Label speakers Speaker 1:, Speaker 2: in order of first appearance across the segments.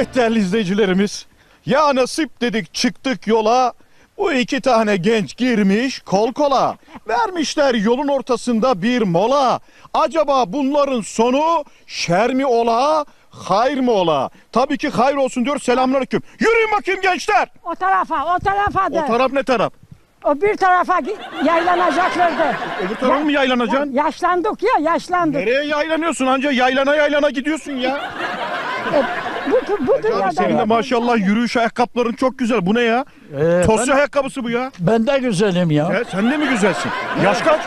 Speaker 1: Evet değerli izleyicilerimiz, ya nasip dedik çıktık yola, bu iki tane genç girmiş kol kola, vermişler yolun ortasında bir mola. Acaba bunların sonu şer mi ola, hayır mı ola? Tabii ki hayır olsun diyor. Selamünaleyküm. Yürüyün bakayım gençler.
Speaker 2: O tarafa da.
Speaker 1: O taraf ne taraf?
Speaker 2: O bir tarafa yaylanacaklardı.
Speaker 1: Öbür taraf mı yaylanacaksın?
Speaker 2: Yaşlandık ya, yaşlandık.
Speaker 1: Nereye yaylanıyorsun? Anca yaylana gidiyorsun ya.
Speaker 2: Bu
Speaker 1: Abi
Speaker 2: dünyada.
Speaker 1: senin de maşallah yürüyüş ayakkabıların çok güzel. Bu ne ya? Tosya ayakkabısı bu ya.
Speaker 3: Ben de güzelim ya.
Speaker 1: Sen de mi güzelsin? Yaş kaç?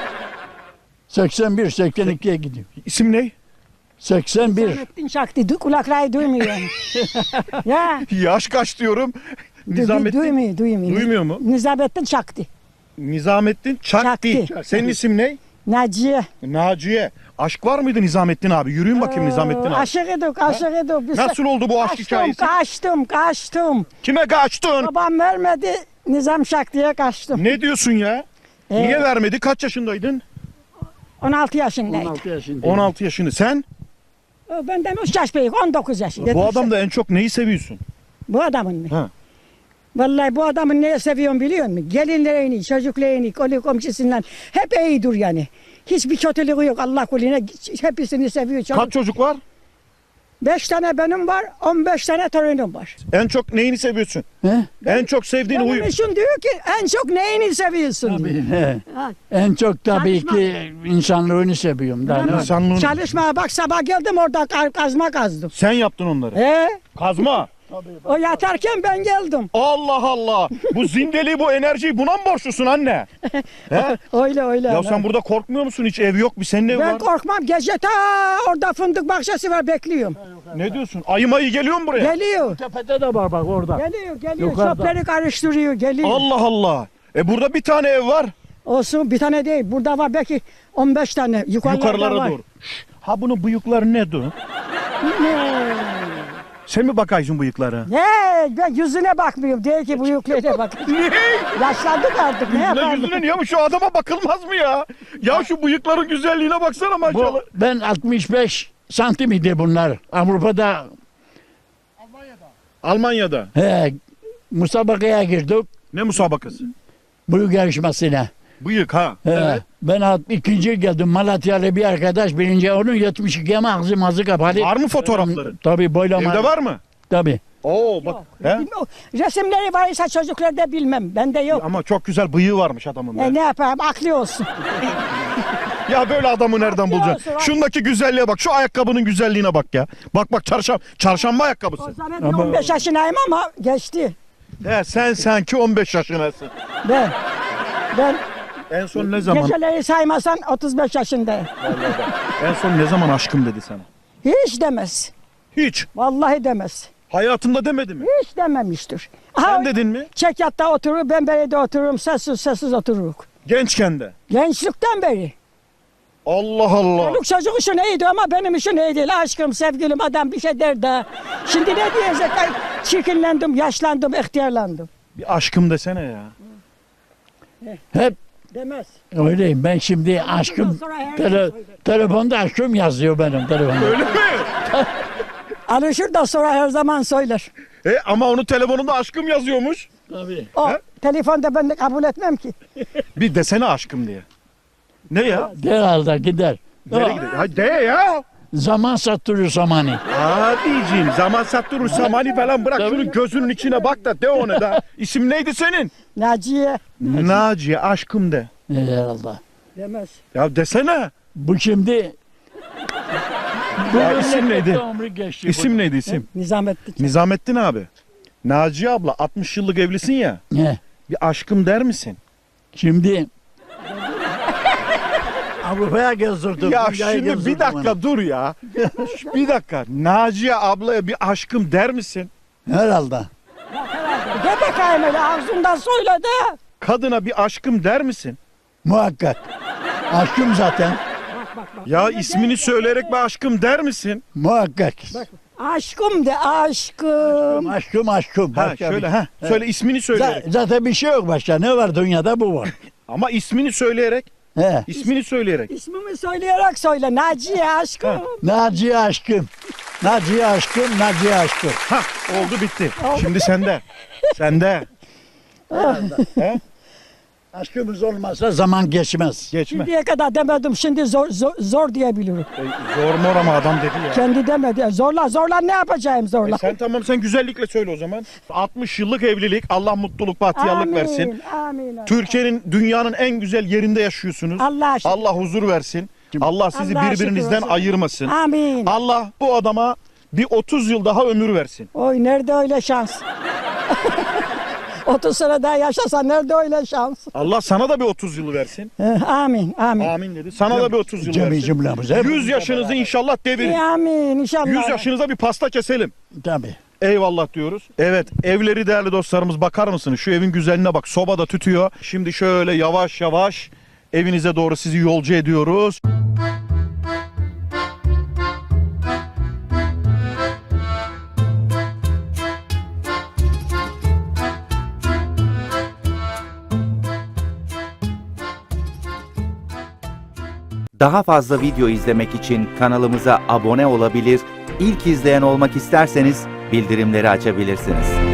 Speaker 3: 81, 82'ye gidiyor.
Speaker 1: İsim ne?
Speaker 3: 81.
Speaker 2: Nizamettin Şakti, kulakları duymuyor. Ya,
Speaker 1: Yaş kaç diyorum. Nizamettin.
Speaker 2: duymuyor.
Speaker 1: Duymuyor mu?
Speaker 2: Nizamettin Şakti.
Speaker 1: Nizamettin Çakti.
Speaker 2: Çakti.
Speaker 1: Senin isim ne?
Speaker 2: Naciye.
Speaker 1: Naciye. Aşk var mıydı Nizamettin abi? Yürüyün bakayım Nizamettin abi.
Speaker 2: Aşık edik. Biz
Speaker 1: Nasıl oldu bu aşk hikayesi?
Speaker 2: Kaçtım.
Speaker 1: Kime kaçtın?
Speaker 2: Babam vermedi, Nizam Şakti'ye kaçtım.
Speaker 1: Ne diyorsun ya? Niye vermedi? Kaç yaşındaydın?
Speaker 2: 16 yaşındaydım.
Speaker 3: 16 yaşında.
Speaker 1: 16 yaşında. Sen?
Speaker 2: Benden 3 yaş büyük, 19 yaşında.
Speaker 1: Bu adamda en çok neyi seviyorsun?
Speaker 2: Bu adamın mı?
Speaker 1: Ha.
Speaker 2: Vallahi bu adamın neyi seviyorum biliyor musun? Gelinlerini, çocuklarını, kolu komşusundan hep iyidir yani. Hiçbir kötülüğü yok Allah kulüne. Hepsini seviyor.
Speaker 1: Kaç çocuk var?
Speaker 2: 5 tane benim var, 15 tane torunum var.
Speaker 1: En çok neyini seviyorsun?
Speaker 3: He?
Speaker 1: En çok sevdiğin
Speaker 2: Benim
Speaker 1: huyu.
Speaker 2: için diyor ki en çok neyini seviyorsun diyor.
Speaker 3: Tabii, he.
Speaker 2: Ha.
Speaker 3: En çok tabii
Speaker 2: Çalışma.
Speaker 3: ki insanlığını seviyorum. Daha ne?
Speaker 1: İnsanlığın.
Speaker 2: Çalışmaya bak sabah geldim orada kazma kazdım.
Speaker 1: Sen yaptın onları. Kazma.
Speaker 2: O yatarken ben geldim.
Speaker 1: Allah Allah. Bu zindeliği, bu enerjiyi buna mı borçlusun anne? He?
Speaker 2: Öyle.
Speaker 1: Ya sen burada korkmuyor musun? Hiç ev yok bir senin ev
Speaker 2: Ben
Speaker 1: var.
Speaker 2: korkmam. Gece ta orada fındık bahçesi var bekliyorum.
Speaker 1: Ne diyorsun? Ayı mayı geliyor mu buraya?
Speaker 2: Geliyor.
Speaker 3: Tepede de var bak orada.
Speaker 2: Geliyor.
Speaker 3: Yukarıda.
Speaker 2: Çöpleri karıştırıyor. Geliyor.
Speaker 1: Allah Allah. Burada bir tane ev var.
Speaker 2: Olsun bir tane değil. Burada var belki 15 tane.
Speaker 1: Yukarılara
Speaker 2: var.
Speaker 1: doğru. Ha bunun bıyıkları ne dur? Sen mi bakaysın bıyıklara?
Speaker 2: Ne? Ben yüzüne bakmıyorum. Değil ki bu yüklere bak.
Speaker 1: Ne?
Speaker 2: Yaşlandık artık. Ne
Speaker 1: Yüzüne
Speaker 2: yapalım?
Speaker 1: yüzüne niye bu? Şu adama bakılmaz mı ya? Ya şu bıyıkların güzelliğine baksana maşallah.
Speaker 3: Ben 65 santim idi bunlar. Avrupa'da
Speaker 1: Almanya'da.
Speaker 3: musabakaya girdik.
Speaker 1: Ne musabakası?
Speaker 3: Büyük yarışmasına.
Speaker 1: Bıyık ha.
Speaker 3: Ben ikinci geldim. Malatyalı bir arkadaş birinci. Onun 72 ama ağzı kapalı.
Speaker 1: Var mı fotoğrafların?
Speaker 3: Tabii boylama.
Speaker 1: Evde var mı?
Speaker 3: Tabii.
Speaker 1: Oo bak. He?
Speaker 2: Resimleri varsa çocuklarda bilmem. Bende yok.
Speaker 1: Ama çok güzel bıyığı varmış adamın. be.
Speaker 2: Ne yapayım? Aklı olsun.
Speaker 1: Ya böyle adamı nereden bulacaksın?
Speaker 2: olsun,
Speaker 1: Şundaki güzelliğe bak. Şu ayakkabının güzelliğine bak ya. Bak çarşamba ayakkabısı.
Speaker 2: O zaman ben 15 yaşındayım ama geçti.
Speaker 1: He, sen sanki 15 yaşındasın.
Speaker 2: Ben
Speaker 1: En son ne zaman?
Speaker 2: geceleri saymasan 35 yaşındayım.
Speaker 1: En son ne zaman aşkım dedi sana?
Speaker 2: Hiç demez.
Speaker 1: Hiç.
Speaker 2: Vallahi demez.
Speaker 1: Hayatında demedi mi?
Speaker 2: Hiç dememiştir.
Speaker 1: Sen dedin mi?
Speaker 2: Çekyatta oturur, ben berede otururum, sessiz otururuk.
Speaker 1: Gençken de.
Speaker 2: Gençlikten beri.
Speaker 1: Allah Allah.
Speaker 2: Çocuk çocuk için iyiydi ama benim için iyi değil. Aşkım, sevgilim, adam bir şey der de. Şimdi ne diyecek? Ay, çirkinlendim, yaşlandım, ihtiyarlandım.
Speaker 1: Bir aşkım desene ya.
Speaker 3: Hep
Speaker 2: Demez.
Speaker 3: öyleyim. Ben şimdi aşkım
Speaker 2: sonra her şey söyler.
Speaker 3: telefonda aşkım yazıyor benim telefonda.
Speaker 1: Öyle mi?
Speaker 2: Alışır da sonra her zaman söyler.
Speaker 1: Ama onun telefonunda aşkım yazıyormuş.
Speaker 3: Tabii.
Speaker 2: O
Speaker 1: He?
Speaker 2: telefonda ben de kabul etmem ki.
Speaker 1: Bir desene aşkım diye. Ne ya?
Speaker 3: Derhalde gider.
Speaker 1: Nereye gidiyor? Ha, de ya.
Speaker 3: Zaman sattırıyor zamanı.
Speaker 1: Abiciğim zaman sattırır samani falan bırak.
Speaker 3: Tabii.
Speaker 1: Şunun gözünün içine bak da de onu da. İsim neydi senin?
Speaker 2: Naciye.
Speaker 1: Naciye aşkım de.
Speaker 3: Herhalde.
Speaker 2: Demez.
Speaker 1: Ya desene.
Speaker 3: Bu şimdi
Speaker 1: Ya isim neydi?
Speaker 3: ömrü geçti.
Speaker 1: İsim neydi isim?
Speaker 2: Nizamettin.
Speaker 1: Nizamettin abi. Naciye abla 60 yıllık evlisin ya.
Speaker 3: Ne?
Speaker 1: Bir aşkım der misin?
Speaker 3: Şimdi Avrupa'ya gezdirdim.
Speaker 1: Ya
Speaker 3: dünyayı
Speaker 1: şimdi bir
Speaker 3: gezdirdim
Speaker 1: dakika dur ya. Bir dakika. Naciye ablaya bir aşkım der misin?
Speaker 3: onu. Herhalde.
Speaker 2: De bakayım öyle ağzından söyle de.
Speaker 1: Kadına bir aşkım der misin?
Speaker 3: Muhakkak. Aşkım zaten.
Speaker 1: Ya ismini söyleyerek bir aşkım der misin?
Speaker 3: Muhakkak.
Speaker 2: Aşkım de aşkım.
Speaker 3: Aşkım.
Speaker 1: Ha
Speaker 3: Başka
Speaker 1: şöyle
Speaker 3: bir-
Speaker 1: ha. Söyle ismini söyleyerek.
Speaker 3: Zaten bir şey yok başka. Ne var dünyada bu var.
Speaker 1: Ama ismini söyleyerek.
Speaker 3: He.
Speaker 1: İsmini söyleyerek.
Speaker 2: İsmimi söyleyerek söyle. Naciye aşkım.
Speaker 3: Naciye aşkım. Naciye aşkım, Naciye aşkım.
Speaker 1: Hah, oldu bitti. Şimdi sende. Sende. He?
Speaker 3: Aşkımız olmazsa zaman geçmez.
Speaker 1: Geçme.
Speaker 2: Şimdiye kadar demedim, şimdi zor diyebilirim.
Speaker 1: Zor mor ama adam dedi ya.
Speaker 2: Kendi demedi. Zorla ne yapacağım zorla.
Speaker 1: Sen güzellikle söyle o zaman. 60 yıllık evlilik. Allah mutluluk, bahtiyarlık versin.
Speaker 2: Amin.
Speaker 1: Türkiye'nin, dünyanın en güzel yerinde yaşıyorsunuz.
Speaker 2: Allah şükür.
Speaker 1: Allah huzur versin. Allah sizi
Speaker 2: Allah'a
Speaker 1: birbirinizden
Speaker 2: şükür olsun.
Speaker 1: ayırmasın.
Speaker 2: Amin.
Speaker 1: Allah bu adama bir 30 yıl daha ömür versin.
Speaker 2: Oy nerede öyle şans? 30 sene daha yaşasa nerede öyle şans?
Speaker 1: Allah sana da bir 30 yıl versin.
Speaker 2: Amin.
Speaker 1: Amin dedi. Sana da bir 30 yıl
Speaker 3: Cemi
Speaker 1: versin.
Speaker 3: cümlemize.
Speaker 1: 100 yaşınızı inşallah devirin.
Speaker 2: Amin inşallah.
Speaker 1: 100 yaşınıza bir pasta keselim.
Speaker 3: Tabii.
Speaker 1: Eyvallah diyoruz. Evet, evleri değerli dostlarımız, bakar mısınız? Şu evin güzelliğine bak. Soba da tütüyor. Şimdi şöyle yavaş yavaş evinize doğru sizi yolcu ediyoruz.
Speaker 4: Daha fazla video izlemek için kanalımıza abone olabilir, ilk izleyen olmak isterseniz bildirimleri açabilirsiniz.